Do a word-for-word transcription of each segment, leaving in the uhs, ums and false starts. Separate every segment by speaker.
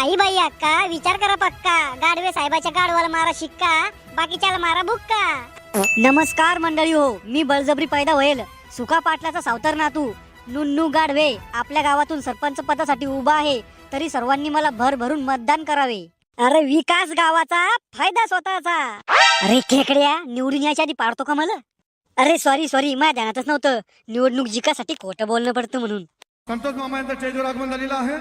Speaker 1: काही बाई अक्का विचार करा पक्का, गाडवे साहेबाच्या गाडवाला मारा शिक्का, बाकीच्याला मारा बुक्का.
Speaker 2: नमस्कार मंडळी हो, मी बळजबरी पैदा होईल सुका पाटलाचा सावतर नातू नुन्नू गाडवे आपल्या गावातून सरपंच पदासाठी उभा आहे. तरी सर्वांनी मला भरभरून मतदान करावे. अरे विकास गावाचा, फायदा स्वतःचा. अरे खेकड्या, निवडून यायच्या आधी पाडतो का मला? अरे सॉरी सॉरी माझ्या ध्यानातच नव्हतं. निवडणूक जिंकासाठी खोटं बोलणं पडतं म्हणून.
Speaker 3: संतोष मामा यांचं स्टेजवर आगमन झालेलं आहे.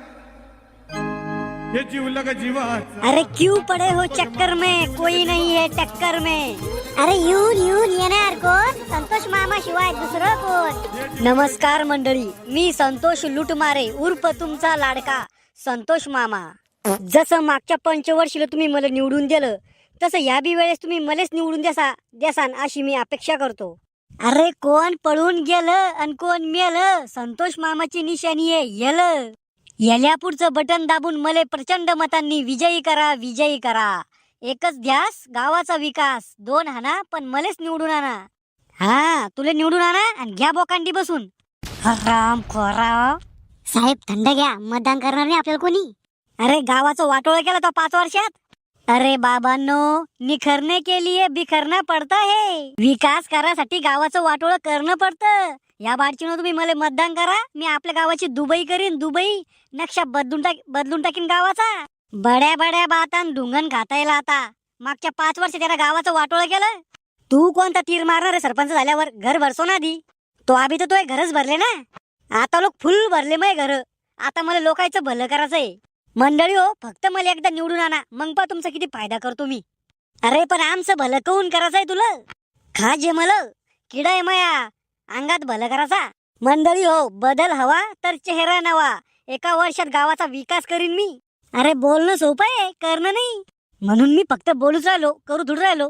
Speaker 3: हे जीवला का जीवा.
Speaker 2: अरे क्यों पड़े हो चक्कर में, कोई नहीं है टक्कर में.
Speaker 1: अरे येऊन येऊन येणार कोण? संतोष मामा शिवाय दुसरं कोण?
Speaker 2: नमस्कार मंडळी, मी संतोष लुटमारे उर्फ तुमचा लाडका संतोष मामा. जसं मागच्या पंचवर्षीला तुम्ही मला निवडून दिलं, तसं या बी वेळेस तुम्ही मलाच निवडून द्यासा द्यासान अशी मी अपेक्षा करतो. अरे कोण पळून गेलं आणि कोण मेलं, संतोष मामाची निशाणी आहे येलं. याल्या पुढचं बटन दाबून मले प्रचंड मतांनी विजयी करा विजयी करा. एकच ध्यास गावाचा विकास. दोन हाना पण मलेच निवडून आणा. हा तुला निवडून आणा आणि घ्या बोकांडी बसून. राम खोरा
Speaker 1: साहेब थंड घ्या, मतदान करणार नाही आपल्याला कोणी.
Speaker 2: अरे गावाचं वाटोळ केलं तो पाच वर्षात. अरे बाबांनो, निखरने के लिए बिखरना पडता है. विकास करासाठी गावाचं वाटोळ करणं पडतं. या बारचीनं तुम्ही मला मतदान करा, मी आपल्या गावाची दुबई करीन दुबई. नक्षा बदलून टाक बदलून टाकीन गावाचा. बड्या बड्या बातान ढुंगण खाता येईल आता. मागच्या पाच वर्ष त्याला गावाचं वाटोळ केलं. तू कोणता तीर मारणार आहे सरपंच झाल्यावर? घर भरसो ना आधी. तो आधी तर तो घरच भरले ना. आता लोक फुल भरले मग घर. आता मला लोकांचं भलं करायचंय. मंडळी हो, फक्त मला एकदा निवडून आणा, मग पा तुमचा किती फायदा करतो मी. अरे पण आमचं भलं करून करायचंय तुला. खा जे मला किडा आहे माया अंगात भलं करायचा. मंडळी हो, बदल हवा तर चेहरा नवा. एका वर्षात गावाचा विकास करीन मी. अरे बोलणं सोपं आहे, करणं नाही. म्हणून मी फक्त बोलूच राहिलो, करू धुड राहिलो.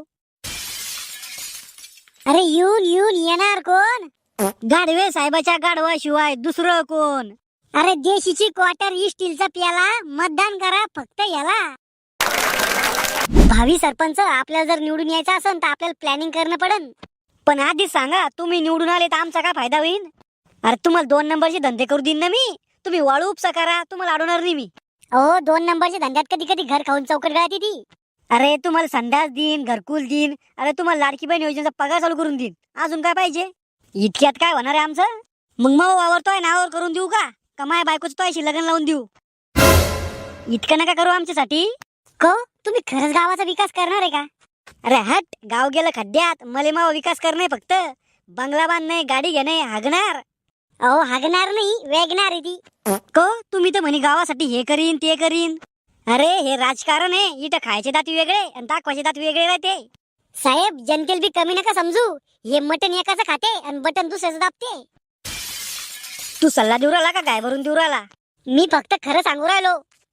Speaker 1: अरे येऊन येऊन येणार कोण?
Speaker 2: गाडवे साहेबाच्या गाडवाशिवाय दुसरं कोण?
Speaker 1: अरे देशीची क्वार्टर स्टीलचा प्याला, मतदान करा फक्त याला. भावी सरपंच आपल्याला जर निवडून यायचं असेल तर आपल्याला प्लॅनिंग करणं पडन.
Speaker 2: पण आधी सांगा, तुम्ही निवडून आले तर आमचा काय फायदा होईल? अरे तुम्हाला दोन नंबरचे धंदे करू देईन ना मी. तुम्ही वाळू उपसा करा, तुम्हाला अडवणार नाही मी.
Speaker 1: अहो दोन नंबरच्या धंद्यात कधी कधी घर खाऊन चौकट गळती ती.
Speaker 2: अरे तुम्हाला संडास देईन, घरकुल देईन. अरे तुम्हाला लाडकी बहीण योजनेचा पगार चालू करून देईन. अजून काय पाहिजे? इतक्यात काय होणार आहे आमचं? मग मग वावरतोय नावावर करून देऊ का? कमाय बायकोच तोयशी लग्न लावून देऊ. इतकं नका करू आमच्यासाठी.
Speaker 1: को तुम्ही खरंच गावाचा विकास करणार आहे का?
Speaker 2: अरे हट, गाव गेलं खड्ड्यात. मले मावा विकास करणे फक्त. बंगला बांधणे, गाडी घेणे, हागणार.
Speaker 1: अहो हागणार नाही, वेगणार आहे ती.
Speaker 2: को तुम्ही तर म्हणे गावासाठी हे करीन ते करीन. अरे हे राजकारण आहे. इथं खायचे दात वेगळे आणि दाखवायचे दात वेगळे राहते.
Speaker 1: साहेब जनतेल बी कमी नका समजू. हे मटन एकाचं खाते आणि बटन दुसऱ्याचं दाबते.
Speaker 2: तू सल्ला देऊ राहिला का गाय भरून देऊ राहिला?
Speaker 1: मी फक्त खरं सांगू राहिलो.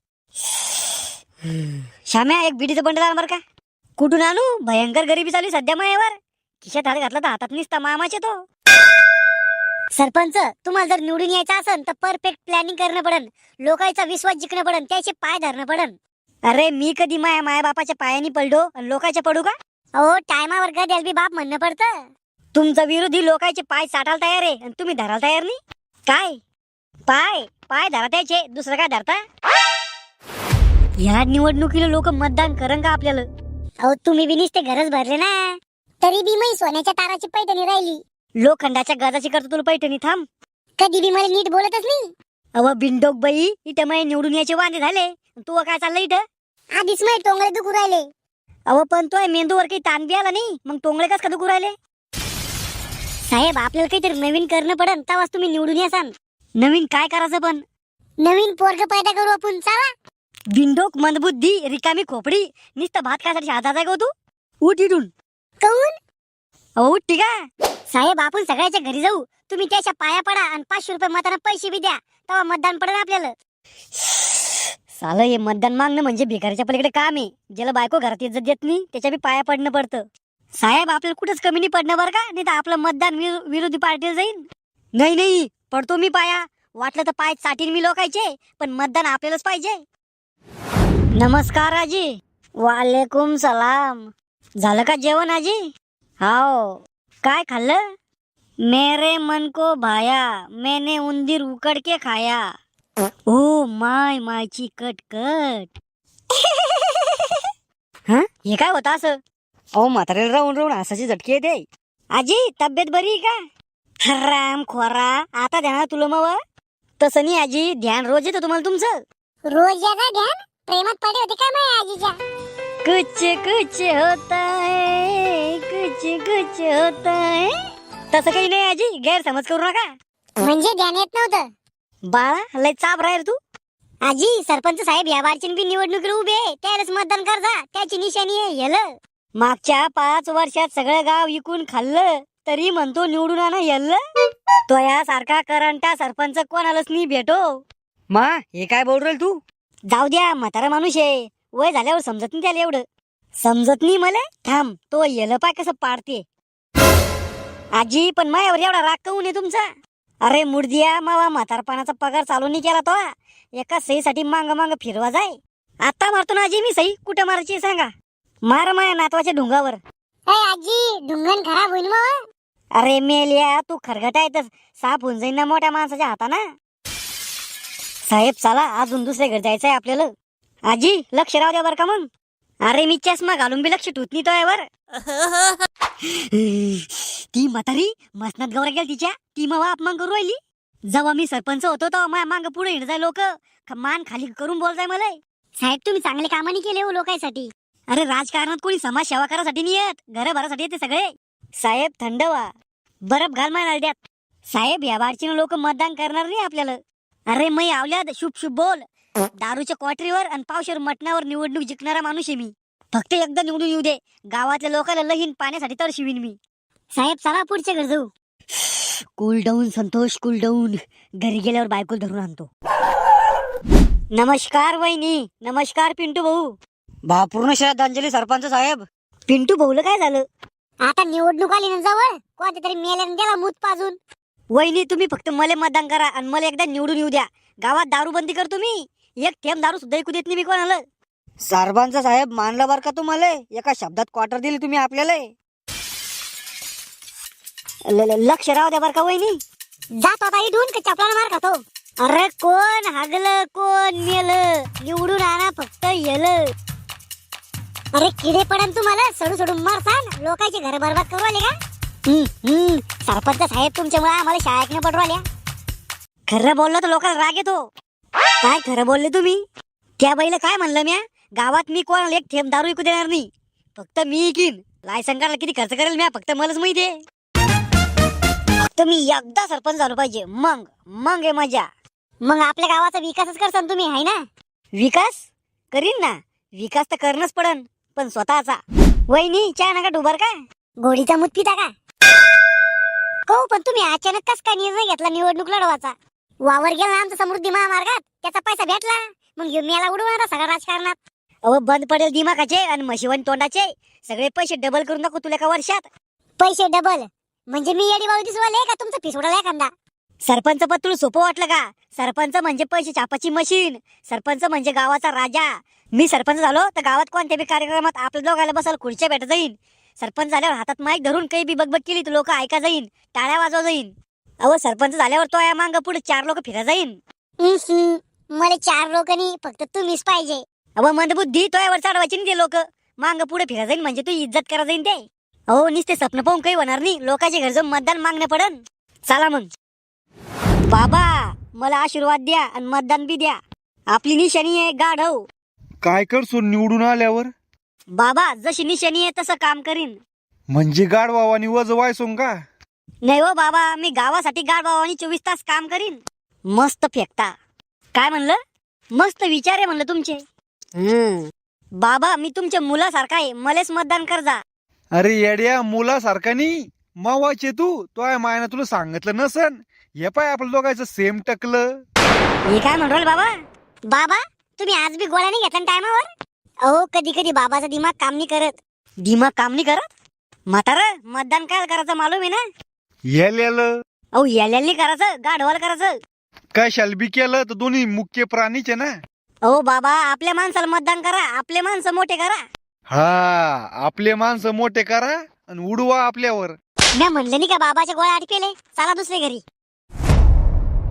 Speaker 2: श्याम्या, एक बिडीचं बंडल आण बर का. कुठून आणू? भयंकर गरिबी चालू आहे सध्या मायावर. खिशात हात घातला तर हातात निसता मामाचे तो.
Speaker 1: सरपंच तुम्हाला जर निवडून यायचं असेल तर परफेक्ट प्लॅनिंग करणं पडन. लोकांचा विश्वास जिंकणं पडन, त्याचे पाय धरणं पडन.
Speaker 2: अरे मी कधी माया माया बापाच्या पायानी पडलो आणि लोकांच्या पडू का?
Speaker 1: अहो टायमावर गद्याल बी बाप म्हणणं पडतं.
Speaker 2: तुमचा विरोधी लोकांचे पाय चाटायला तयार आहे आणि तुम्ही धरायला तयार नाही. काय पाय पाय धरा त्याचे, दुसरं काय धरता? या निवडणुकीला लोक मतदान करन का आपल्याला?
Speaker 1: अहो तुम्ही बी नुसते घरच भरले ना, तरी बी मी सोन्याच्या ताराची पैठणी राहिली.
Speaker 2: लोखंडाच्या गजाची करतो तुला पैठणी. थांब,
Speaker 1: कधी बी मला नीट बोलतच नाही.
Speaker 2: अव बिंडोक बाई, इथं मै निवडून यायचे वांदे झाले. तू काय चाललं इथं?
Speaker 1: आधीच माझे टोंगळे दुखू राहिले.
Speaker 2: अव पण तो मेंदूवर काही ताण बी आला नाही, मग टोंगळे कस का दुखू राहिले?
Speaker 1: साहेब आपल्याला काहीतरी नवीन करणं पडन, तेव्हाच तुम्ही निवडून यासान.
Speaker 2: नवीन काय करायचं पण?
Speaker 1: नवीन पोरग पैदा करू आपण, चला.
Speaker 2: बिंडोक मंदबुद्धी रिकामी खोपडी, नुसतं भात खायसाठी हातात आहे का तू? उठ इथून.
Speaker 1: कौन?
Speaker 2: अहो उठ ठीक आहे.
Speaker 1: साहेब आपण सगळ्याच्या घरी जाऊ, तुम्ही त्याच्या पाया पडा आणि पाचशे रुपये मताना पैसे बी द्या, तेव्हा मतदान पडेल आपल्याला.
Speaker 2: सालं हे मतदान मागणं म्हणजे भिकारीच्या पलीकडे काम आहे. ज्याला बायको घरात इज्जत देत नाही त्याच्या बी पाया पडणं पडतं. साहेब आपल्याला कुठंच कमी नाही पडणं बरं का, नाही तर आपलं मतदान विरो- विरोधी पार्टीला जाईल. नाही नाही पडतो मी पाया. वाटलं तर पाय चाटीन मी लोकायचे, पण मतदान आपल्यालाच पाहिजे. नमस्कार आजी. वालेकुम सलाम. झालं का जेवण आजी? हाव. काय खाल्लं? मेरे मन को भाया, मैंने उंदीर उकड़ के खाया. ओ माय मायची कट कट. हा हे काय होतं असं? अहो म्हाताऱ्याला राहून राहून हसाची झटके येते. आजी तब्येत बरी आहे का? राम खोरा आता ध्यान तुला मग. तसं नाही आजी, ध्यान रोज येतं तुम्हाला तुमचं.
Speaker 1: रोज याचा ध्यान प्रेमात पडे होते का माझ्या आजीच्या?
Speaker 2: कुछ कुछ होता है, कुछ कुछ होता है. तसं काही नाही आजी, गैरसमज करू नका.
Speaker 1: म्हणजे ध्यान येत नव्हतं?
Speaker 2: बाळा लय चाप राहील तू.
Speaker 1: आजी सरपंच साहेब या बारची बी निवडणुकीला उभे आहे, त्यालाच मतदान करजा, त्याची निशाणी आहे येलं.
Speaker 2: मागच्या पाच वर्षात सगळं गाव विकून खाल्लं तरी म्हणतो निवडून आणा येल्ल. तो यासारखा करंटा सरपंच कोणालाच नाही भेटो. मा हे काय बोल राहील तू? जाऊ द्या, म्हातारा माणूस आहे, वय झाल्यावर समजत नाही त्याला एवढं. समजत नाही मला. थांब तो येलं पाय कसं पाडते. आजी पण मायावर एवढा राग काऊन आहे तुमचा? अरे मुर्दिया मावा, म्हातारपणाचा पगार चालू नाही केला तो. एका सहीसाठी मांग मांग फिरवा जाय. आता मारतो ना आजी मी सही, कुठं मारायची सांगा? मार माया नातवाच्या ढुंगावर.
Speaker 1: ए आजी ढुंगण खराब होईल मग.
Speaker 2: अरे मेलिया तू खरगटा येतच, साफ होऊन जाईन ना मोठ्या माणसाच्या हाताना. साहेब चला, अजून दुसऱ्या घर जायचंय आपल्याला. आजी लक्ष राहू द्या बर का मग. अरे मी चष्मा घालून बी लक्ष ठेवत नाही तो यावर. ती म्हातारी मसनात गौरा गेल तिच्या, ती मग अपमान करू राहिली. जेव्हा मी सरपंच होतो तेव्हा माझ्या मांग पुढे हिंड जाय लोक, मान खाली करून बोल जाय मला.
Speaker 1: साहेब तुम्ही चांगले कामाने केले हो लोकांसाठी.
Speaker 2: अरे राजकारणात कोणी समाज सेवा करासाठी नाही येत, घर भरासाठी येते सगळे. साहेब थंड व्हा, बरफ घाल माय नळद्यात. साहेब या बारचीनं लोक मतदान करणार नाही आपल्याला. अरे मै आवल्यात शुभ शुभ बोल. दारूच्या क्वाटरीवर आणि पावशेर मटणावर निवडणूक जिंकणारा माणूस आहे मी. फक्त एकदा निवडून येऊ दे, गावातल्या लोकांना लहीन पाण्यासाठी तर शिवीन मी.
Speaker 1: साहेब चला पुढच्या घर जाऊ.
Speaker 2: Cool down Santosh, cool down. घरी गेल्यावर बायकोल धरून आणतो. नमस्कार वहिनी. नमस्कार पिंटू भाऊ. भावपूर्ण श्रद्धांजली सरपंच साहेब. पिंटू भाऊला काय झालं?
Speaker 1: आता निवडणूक आली ना जवळ, कोणत्या तरी मेल्याने त्याला मूत पाजून.
Speaker 2: वहिनी तुम्ही फक्त मला मतदान करा आणि मला एकदा निवडून येऊ द्या. गावात दारू बंदी करतो मी, एक थेंब दारू सुद्धा ऐकू देत नाही मी कोणाला. सरपंच साहेब मानलं बर का तुम्हाला, एका शब्दात क्वार्टर दिली तुम्ही आपल्याला. ल- ल- लक्ष राहू द्या बर का वहिनी.
Speaker 1: जात आता इथून का चपलाने मार खातो.
Speaker 2: अरे कोण हागलं कोण मेलं, निवडून आणा फक्त येलं.
Speaker 1: अरे किडे पडन तुम्हाला, सोडू सोडून मारसान, लोकांचे घर बरबाद करू आले का?
Speaker 2: हम्म, हम्म.
Speaker 1: सरपंच साहेब तुमच्यामुळे आम्हाला शाळा ऐकणं पडू आल्या.
Speaker 2: खरं बोललं तर लोकांना राग येतो. काय खरं बोलले तुम्ही? त्या बाईला काय म्हणलं म्या, गावात मी कोणाला एक थेंब दारू विकू देणार नाही, फक्त मी इकीन. लायसन काढायला किती खर्च करेल म्या, फक्त मलाच माहिती आहे. फक्त मी एकदा सरपंच झालो पाहिजे, मग मग आहे मजा.
Speaker 1: मग आपल्या गावाचा विकासच करसान तुम्ही, आहे ना?
Speaker 2: विकास करीन ना, विकास तर करणंच पडन, पण स्वतःचा. वहिनी चहा नका डुबर का?
Speaker 1: गोडीचा मूत पिता का? हो पण तुम्ही अचानक कस काय निर्णय घेतला निवडणूक लढवायचा? वावर गेला ना आमचा समृद्धी महामार्गात, त्याचा पैसा भेटला, मग ह्यो मेला उडवणार सगळा राजकारणात.
Speaker 2: अहो बंद पडेल दिमागाचे आणि म्हशीवन तोंडाचे, सगळे पैसे डबल करून दाखवू तुला एका वर्षात.
Speaker 1: पैसे डबल म्हणजे मी येडी बाळू दिसवाले का तुमचा पिस उडाला एखादा?
Speaker 2: सरपंच पद तुला सोपं वाटलं का? सरपंच म्हणजे पैसे छापाची मशीन, सरपंच म्हणजे गावाचा राजा. मी सरपंच झालो तर गावात कोणत्या बी कार्यक्रमात आपल्या दोघायला बसायला खुर्च्या भेटत जाईन. सरपंच झाल्यावर हातात माईक धरून काही बी बगबग केली तर लोक ऐका जाईन, टाळ्या वाजवा जाईन. अहो सरपंच झाल्यावर तो या मांग पुढे चार लोक फिरा जाईन.
Speaker 1: हम्म, मला चार लोक नाही, फक्त तुम्हीच पाहिजे.
Speaker 2: अहो मंदबुद्धी तो यावर चढवायची नाही ते लोक, मांग पुढे फिरा जाईन म्हणजे तू इज्जत करा जाईन ते. अहो नुसते स्वप्न पाहून काही होणार नाही, लोकांच्या घर जाऊन मतदान मागणं पडन. चला मग बाबा, मला आशीर्वाद द्या आणि मतदान बी द्या. आपली निशाणी आहे गाढव.
Speaker 3: काय करसो निवडून आल्यावर?
Speaker 2: बाबा जशी निशाणी आहे तसं काम करीन.
Speaker 3: म्हणजे गाडवावानी वज वायसोंग का?
Speaker 2: नाही हो बाबा, मी गावासाठी गाढवावानी चोवीस तास काम करीन. मस्त फेकता. काय म्हणलं? मस्त विचार आहे म्हणलं तुमचे. हम्म बाबा मी तुमच्या मुलासारखा आहे, मलेच मतदान कर जा.
Speaker 3: अरे येड्या, मुलासारखा नाही मावाचे तू. तो आहे मायना तुला सांगितलं नसन. हे पाय आपलं दोघांचं सेम टकलं.
Speaker 2: हे काय म्हणू बाबा?
Speaker 1: बाबा तुम्ही आज बी गोळ्या नाही घेतला टायमावर? अहो कधी कधी बाबाचा दिमाग काम नाही करत.
Speaker 2: दिमाग काम नाही करत? म्हातारा मतदान काय करायचं मालूम आहे ना?
Speaker 3: येलेलं
Speaker 2: अहो याल्यानी करायचं, गाढवाला करायचं.
Speaker 3: काय शालबी केलं तर दोन्ही मुख्य प्राणीचे ना.
Speaker 2: अहो बाबा आपल्या माणसाला मतदान करा, आपले माणसं मोठे करा.
Speaker 3: हा, आपले माणसं मोठे करा आणि उडवा आपल्यावर.
Speaker 1: मी म्हणलं नाही का बाबाच्या गोळ्या आटकेले, चला दुसरे घरी.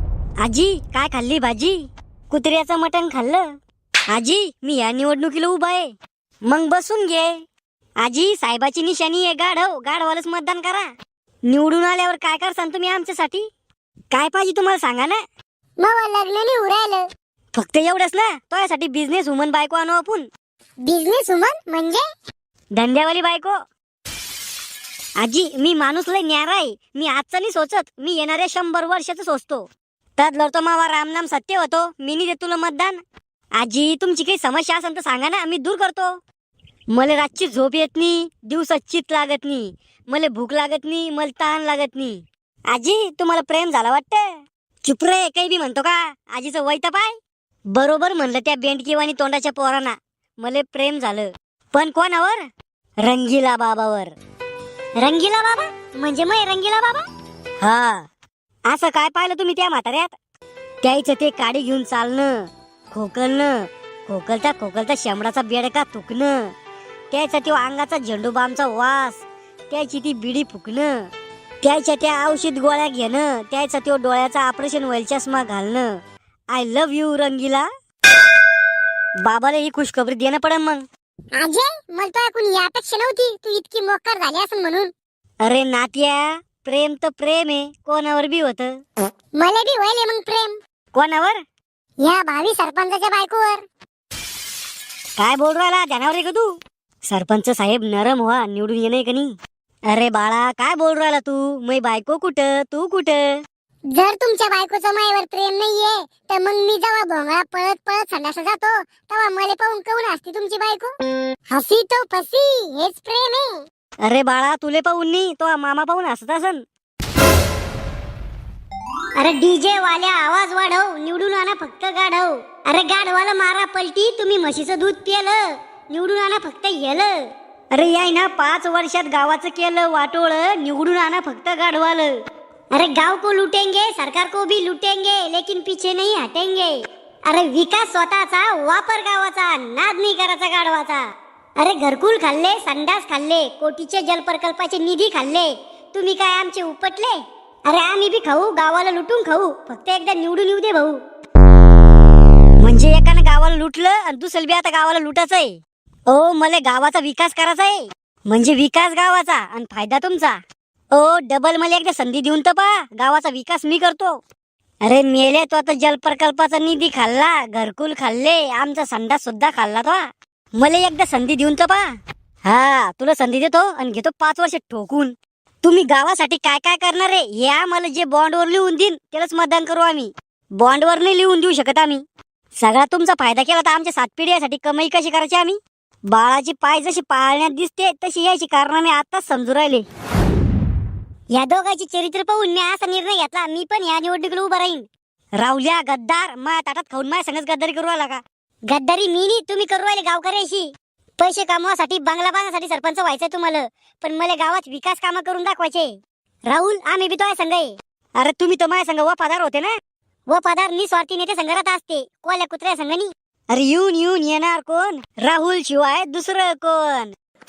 Speaker 2: आजी काय खाल्ली भाजी? कुत्र्याचं मटण खाल्लं. आजी मी या निवडणुकीला उभा आहे. मग बसून घे. आजी साहेबाची निशाणी आहे गाढव, गाढवालाच मतदान करा. निवडून आल्यावर काय करसान तुम्ही आमच्यासाठी? काय पाहिजे तुम्हाला सांगा ना.
Speaker 1: मग लग्न नाही उरायलं.
Speaker 2: फक्त एवढंच ना, तो बिझनेस वुमन बायको आणू आपण.
Speaker 1: बिझनेस वुमन म्हणजे?
Speaker 2: धंद्यावाली बायको. आजी मी माणूस लय न्यारा आहे. मी आजचं नाही सोचत, मी येणाऱ्या शंभर वर्षाचं सोचतो. त्यात लढतो मावा रामनाम सत्य होतो. मी नाही देत तुला मतदान. आजी तुमची काही समस्या असेल तर सांगा ना, मी दूर करतो. मला रातची झोप येत नाही, दिवसात चित लागत नाही, मला भूक लागत नाही, मला ताण लागत नाही. आजी तुम्हाला प्रेम झाला वाटतं. चुप रे, काही बी म्हणतो का? आजीचं वय तर पाय. बरोबर म्हणलं त्या बेंडकीवाणी तोंडाच्या पोरांना. मला प्रेम झालं, पण कोणावर? रंगीला बाबावर.
Speaker 1: रंगीला बाबा म्हणजे मग रंगीला बाबा?
Speaker 2: हा, असं काय पाहिलं तुम्ही त्या म्हाताऱ्यात? त्याचं ते काडी घेऊन चालणं, खोकलणं, खोकलता खोकलता शेंबडाचा बेडका तुकणं, त्याचा तो अंगाचा झेंडूबामचा वास, त्याची ती बिडी फुकणं, त्याच्या त्या औषध गोळ्या घेणं, त्याचा तो डोळ्याचा ऑपरेशन व्हायला चष्मा घालणं. I love you Rangeela. बाबाला ही खुशखबरी देणं पडन मग.
Speaker 1: अजय मला तो ऐकून ही अपेक्षा नव्हती तू इतकी मोकार झाली असं म्हणून.
Speaker 2: अरे नात्या, प्रेम तर प्रेम आहे, कोणावर बी होत.
Speaker 1: मला बी व्हायले मग प्रेम.
Speaker 2: कोणावर?
Speaker 1: या भावी सरपंचाच्या बायकोवर.
Speaker 2: काय बोल राहिला, ध्यानावर आहे का तू? सरपंच साहेब नरम व्हा, निवडून येणे का नाही? अरे बाळा काय बोल राहिला तू? मै बायको कुठं, तू कुठं?
Speaker 1: जर तुमच्या बायकोचं मायावर प्रेम नाहीये तर मग मी जेव्हा भोंगळा पळत पळत संडासला जातो तेव्हा मला पाहून काऊन हसते तुमची बायको? हसी तो फसी, हेच प्रेम आहे.
Speaker 2: अरे बाळा तुले पाहून नाही, तो मामा पाहून हसत असन.
Speaker 1: अरे डीजे वाल्या आवाज वाढव, निवडून आणा फक्त गाढव. अरे गाढवाला मारा पलटी, तुम्ही म्हशीचं दूध पिलं, निवडून आणा फक्त येलं.
Speaker 2: अरे याय ना पाच वर्षात गावाचं केलं वाटोळ, निवडून आणा फक्त गाढवालं.
Speaker 1: अरे गांव को लूटेंगे, सरकार को भी लूटेंगे, लेकिन पीछे नहीं हटेंगे. अरे विकास स्वतःचा, वापर गावाचा, नाद नाही करायचा गाढवाचा. अरे घरकुल खाल्ले, संडास खाल्ले, कोटीचे जलप्रकल्पाचे निधी खाल्ले, तुम्ही काय आमचे उपटले? अरे आम्ही बी खाऊ, गावाला लुटून खाऊ, फक्त एकदा निवडून येऊ दे भाऊ.
Speaker 2: म्हणजे एकानं गावाला लुटलं आणि दुसरं बी आता गावाला लुटायचं आहे. ओ मला गावाचा विकास करायचा आहे, म्हणजे विकास गावाचा आणि फायदा तुमचा. ओ डबल मला एकदा संधी देऊन तर पा, गावाचा विकास मी करतो. अरे मेले तो आता जलप्रकल्पाचा निधी खाल्ला, घरकुल खाल्ले, आमचा संडास सुद्धा खाल्ला तो. मला एकदा संधी देऊन तर पा. हा तुला संधी देतो आणि घेतो पाच वर्ष ठोकून. तुम्ही गावासाठी काय काय करणार आहे हे आम्हाला जे बॉन्डवर लिहून देईन त्यालाच मतदान करू आम्ही. बॉन्डवर नाही लिहून देऊ शकत आम्ही. सगळा तुमचा फायदा केला तर आमच्या सात पिढ्यासाठी कमाई कशी करायची आम्ही? बाळाची पाय जशी पाळण्यात दिसते तशी यायची कारण मी आताच समजू राहिले.
Speaker 1: या दोघांची चरित्र पाहून मी असा निर्णय घेतला, मी पण या निवडणुकीला उभा राहीन.
Speaker 2: राहुल्या गद्दार, मा ताटात खाऊन माझ्या संगच गद्दारी करू आला का?
Speaker 1: गद्दारी मी नाही, तुम्ही करू राहिले गावकऱ्याशी. पैसे कमवासाठी, बंगला बांधण्यासाठी सरपंच व्हायचंय तुम्हाला, पण मला गावात विकास कामं करून दाखवायचे. राहुल आम्ही बी तो संघ आहे.
Speaker 2: अरे तुम्ही तर माझ्या संग वफादार होते ना.
Speaker 1: वफादार निस्वार्थी नेते संघात असते, कोल्या कुत्र्या संघानी.
Speaker 2: अरे येऊन येऊन येणार कोण? राहुल शिवाय दुसरं कोण?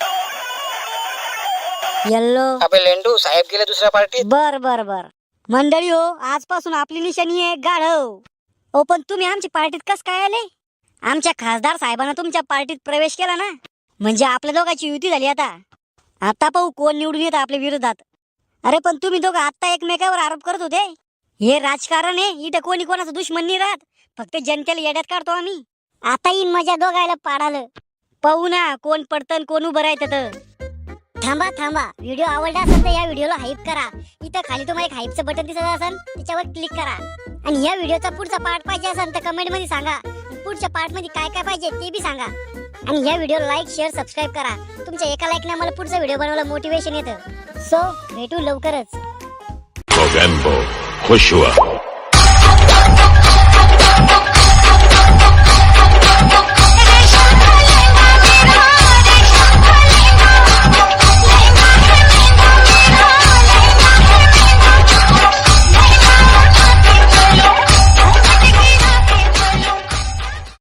Speaker 2: येल्लो
Speaker 4: अबे लेंडू साहेब गेले दुसऱ्या पार्टीत.
Speaker 2: बर बर बर मंडळी हो, आजपासून आपली निशाणी आहे गाढव. ओ पण तुम्ही आमच्या पार्टीत कस काय आले? आमच्या खासदार साहेबांना तुमच्या पार्टीत प्रवेश केला ना, म्हणजे आपल्या दोघांची युती झाली. आता आता पाहू कोण निवडून येतं आपल्या विरोधात. अरे पण तुम्ही दोघं आता एकमेकावर आरोप करत होते. हे राजकारण आहे, इथं कोणी कोणाचा दुश्मन नाही राहत, फक्त जनतेला येड्यात काढतो आम्ही.
Speaker 1: आता येईन मजा दोघायला पाडालं.
Speaker 2: पाहू ना कोण पडतं कोण उभं राहतं तर.
Speaker 1: थांबा थांबा, व्हिडिओ आवडला असेल तर या व्हिडिओला हाईप करा. इथं खाली तुम्हाला एक हाईपचं बटन दिसत असेल, त्याच्यावर क्लिक करा. आणि या व्हिडिओचा पुढचा पार्ट पाहिजे असेल तर कमेंट मध्ये सांगा. पुढच्या पार्ट मध्ये काय काय पाहिजे ते बी सांगा. आणि या व्हिडिओला लाईक शेअर सबस्क्राईब करा. तुमच्या एका लाईकने मला पुढचा व्हिडिओ बनवायला मोटिवेशन येतं. सो भेटू लवकरच.
Speaker 5: खुश हुआ.